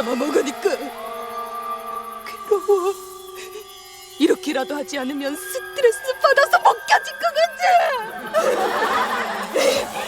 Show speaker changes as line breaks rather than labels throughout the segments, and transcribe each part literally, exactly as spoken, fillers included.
혼자만 먹으니까 괴로워. 이렇게라도 하지 않으면 스트레스 받아서 못 견딜 것 같아.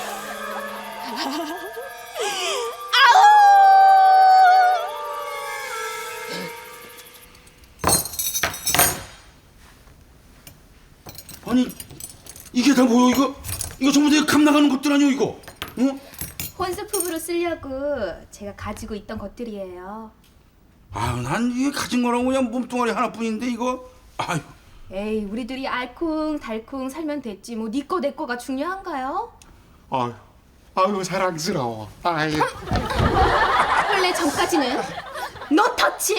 아니 이게 다 뭐야 이거? 이거 전부 다 감 나가는 것들 아니오 이거? 어?
혼수품으로 쓰려고 제가 가지고 있던 것들이에요.
아유 난 이게 가진 거랑 그냥 몸뚱아리 하나뿐인데 이거 아유.
에이, 우리들이 알콩달콩 살면 됐지 뭐 네 거 내 거가 중요한가요?
아유, 아유 사랑스러워. 아유.
원래 전까지는 너 터치?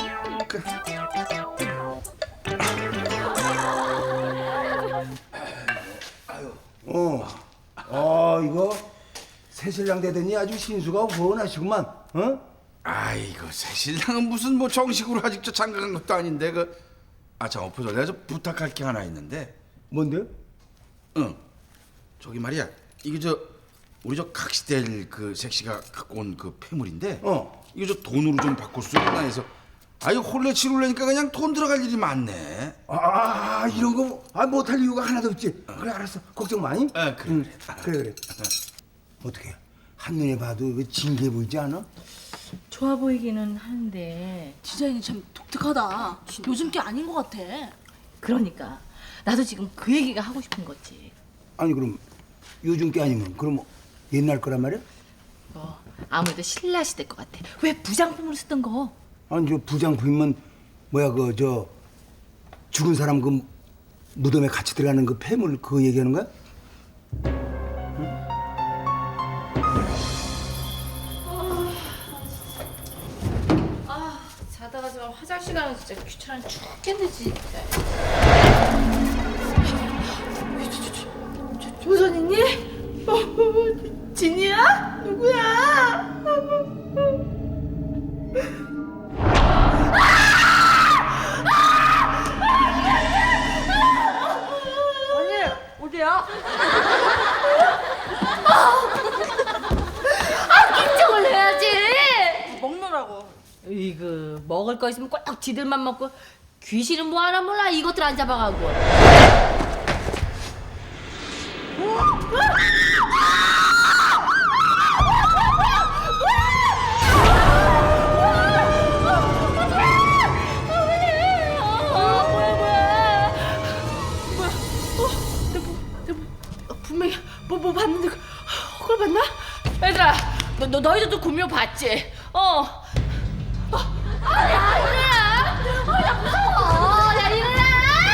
어, 아 이거 새신랑 되더니 아주 신수가 훤하시구만. 어?
아이고 새신랑은 무슨 뭐 정식으로 아직 저 장가간 것도 아닌데 그. 아 참 엎어져 내가 좀 부탁할 게 하나 있는데.
뭔데?
응. 저기 말이야 이게 저 우리 저 각시델 그 색시가 갖고 온 그 폐물인데.
어.
이거 저 돈으로 좀 바꿀 수 있나 해서. 아 이거 홀레 치룰래니까 그냥 돈 들어갈 일이 많네.
아 이런 거 아, 못할 이유가 하나도 없지. 그래 알았어. 걱정 마니.
아 그래.
응, 그래 그래. 어떻게 한눈에 봐도 왜 징기해 보이지 않아?
좋아 보이기는 하는데
디자인이 참 독특하다. 요즘 게 아닌 것 같아.
그러니까 나도 지금 그 얘기가 하고 싶은 거지.
아니 그럼 요즘 게 아니면 그럼 뭐 옛날 거란 말이야?
뭐 아무래도 신라 시대 것 같아. 왜 부장품으로 쓰던 거?
아니 저 부장품이면 뭐야 그 저 죽은 사람 그 무덤에 같이 들어가는 그 폐물 그거 얘기하는 거야?
자다가 저 화장실 가는 거 진짜 귀찮아 죽겠네 진짜. 조선이니? 어, 진이야? 누구야?
언니 어디야?
인정을 해야지.
먹느라고.
이거 먹을 거 있으면 꼭 지들만 먹고 귀신은 뭐 하나 몰라 이것들 안 잡아가고. 분명히 뭐 뭐 봤는데 그걸 봤나? 얘들아, 너, 너 너희들도 구미호 봤지? 어. 어, 아, 야 이래야, 어, 야 무서워, 야 이래야.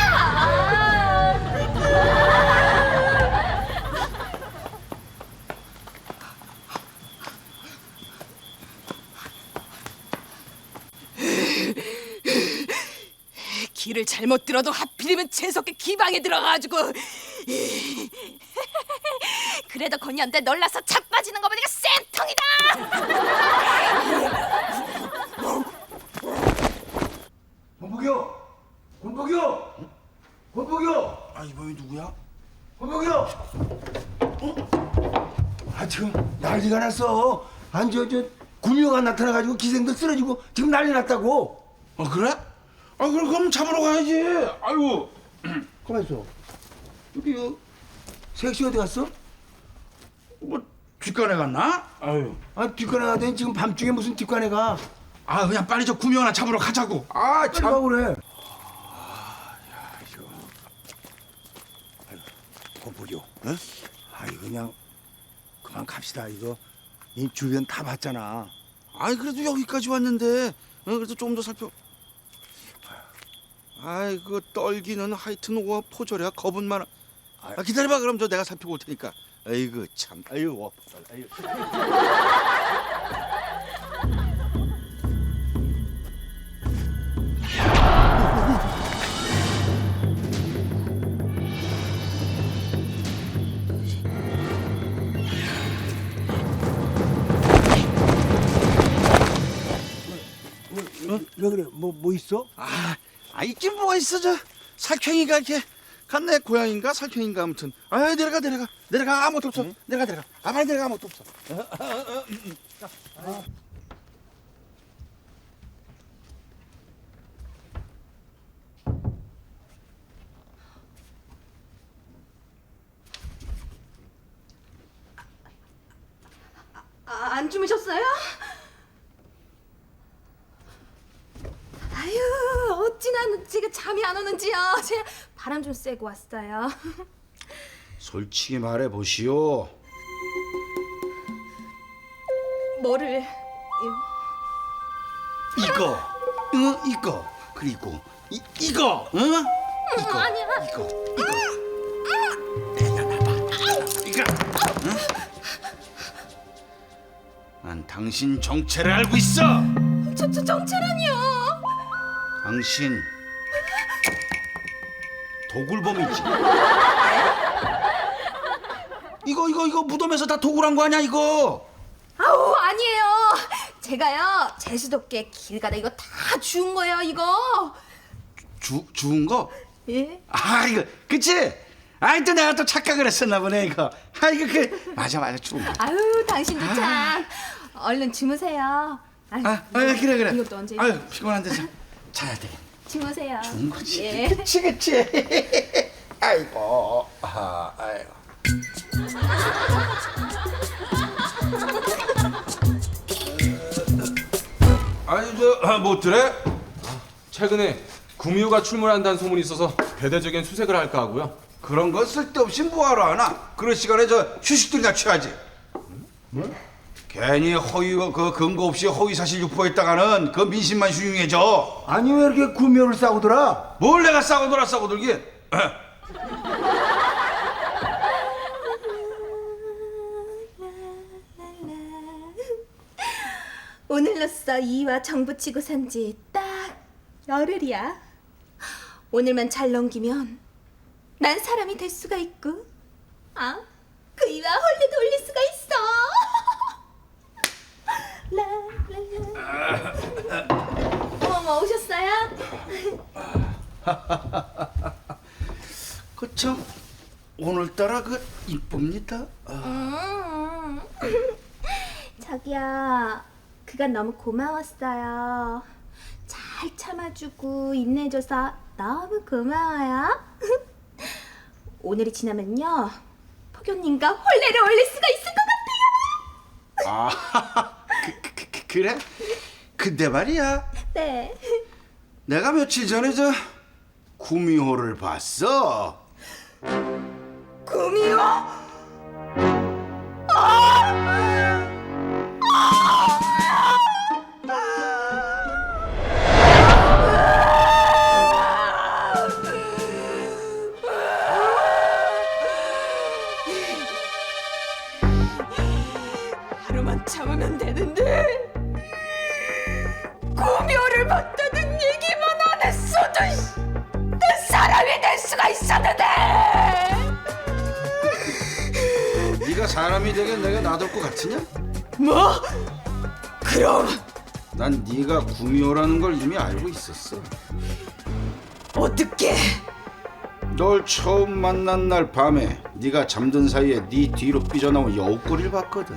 길을 잘못 들어도 하필이면 재석의 기방에 들어가가지고. 그래도 건이한테 놀라서 자빠지는 거 보니까 쌩통이다.
권복이요! 권복이요! 권복이요!
아 이번이 누구야?
권복이요! 어? 아 지금 난리가 났어. 아니 저, 저 구미호가 나타나가지고 기생들 쓰러지고 지금 난리 났다고.
어 그래? 아 그럼 그럼 잡으러 가야지. 아이고.
가만 있어. 여기 어, 색시 어디 갔어?
뭐 뒷간에 갔나? 아유.
아 뒷간에 가더니 지금 밤중에 무슨 뒷간에 가?
아 그냥 빨리 저 구미 하나 잡으러 가자고. 아
빨리
참.
가 그래. 권복이요. 어? 아이 그냥 그만 갑시다. 이거 이 주변 다 봤잖아.
아이 그래도 여기까지 왔는데. 어, 그래서 좀 더 살펴. 아이 그 떨기는 하여튼 와 포절이야 겁은 많아. 아, 기다려봐 그럼 저 내가 살펴볼 테니까. 아이고 참. 아이고 와 포절. 아이고.
어? 왜 그래? 뭐 뭐 있어?
아, 아 있긴 뭐가 있어 저 살쾡이가 이렇게 갔네. 고양인가 살쾡인가 아무튼. 아 내려가 내려가 내려가 아무것도 없어. 응? 내려가 내려가. 아 빨리 내려가 아무것도 없어.
안 주무셨어요? 아유, 어찌나 제가 잠이 안 오는지요. 제가 바람 좀 쐬고 왔어요.
솔직히 말해 보시오.
뭐를?
이거, 응, 이거, 그리고 이 이거, 응? 이거,
아니야.
이거, 이거. 내놔봐, 이거, 응? 난 당신 정체를 알고 있어.
저, 저 정체라니요.
당신 도굴범이지. 이거 이거 이거 무덤에서 다 도굴한 거 아니야 이거?
아우, 아니에요. 제가요 제수도께 길 가다 이거 다 주운 거예요, 이거.
주 주운 거?
예?
아 이거 그치? 아이 또 내가 또 착각을 했었나 보네 이거. 아 이거 그 맞아 맞아 주운 거.
아유, 당신도 참. 얼른 주무세요. 아유,
아, 아 그래 그래.
이것도 언제?
아유 피곤한데 자, 자야 돼.
주무세요.
좋은 거지.
예.
그치 그치. 아이고 아 아이고.
아니 저 못들래? 최근에 구미호가 출몰한다는 소문이 있어서 대대적인 수색을 할까 하고요.
그런 거 쓸데없이 뭐하러 하나? 그런 시간에 저 휴식들이나 취하지. 뭐? 괜히 허위 그 근거 없이 허위 사실 유포했다가는 그 민심만 흉흉해져.
아니 왜 이렇게 구미호를 싸우더라?
뭘 내가 싸고 놀아 싸고 놀기?
오늘로써 이와 정붙이고 산 지 딱 열흘이야. 오늘만 잘 넘기면 난 사람이 될 수가 있고, 아, 그 이와 홀리도 올릴 수가 있어. 라라라. 어머, 오셨어요?
그참 오늘따라 그 이쁩니다.
음. 자기야, 그간 너무 고마웠어요. 잘 참아주고 인내줘서 너무 고마워요. 오늘이 지나면요, 폭염님과 홀레를 올릴 수가 있을 것 같아요.
아, 그, 그, 그, 그래? 근데 말이야,
네.
내가 며칠 전에 저 구미호를 봤어.
구미호?
하루만 참으면 되는데 구미호를 봤다는 얘기만 안 했어도 씨, 난 사람이 될 수가 있었는데.
네가 사람이 되게 내가 놔둘 것 같으냐?
뭐? 그럼
난 네가 구미호라는 걸 이미 알고 있었어.
어떻게?
널 처음 만난 날 밤에 네가 잠든 사이에 네 뒤로 삐져나온 여우꼬리를 봤거든.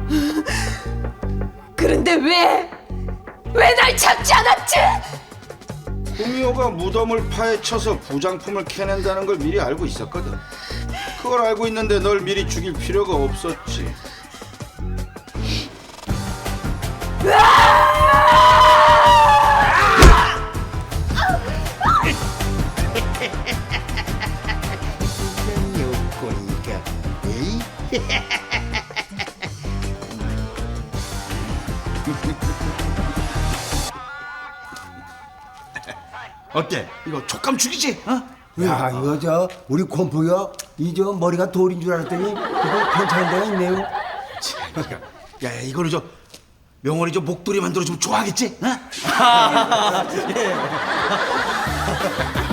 그런데 왜? 왜 날 잡지 않았지?
구미호가 무덤을 파헤쳐서 부장품을 캐낸다는 걸 미리 알고 있었거든. 그걸 알고 있는데 널 미리 죽일 필요가 없었지. 여우꼬리가 에이? 어때? 이거 촉감 죽이지? 어?
야 이거 저 우리 곰풍이가 이 저 머리가 돌인 줄 알았더니 이거 괜찮은 데가 있네요.
야, 야 이거는 저 명월이 저 목도리 만들어 주면 좋아하겠지? 어?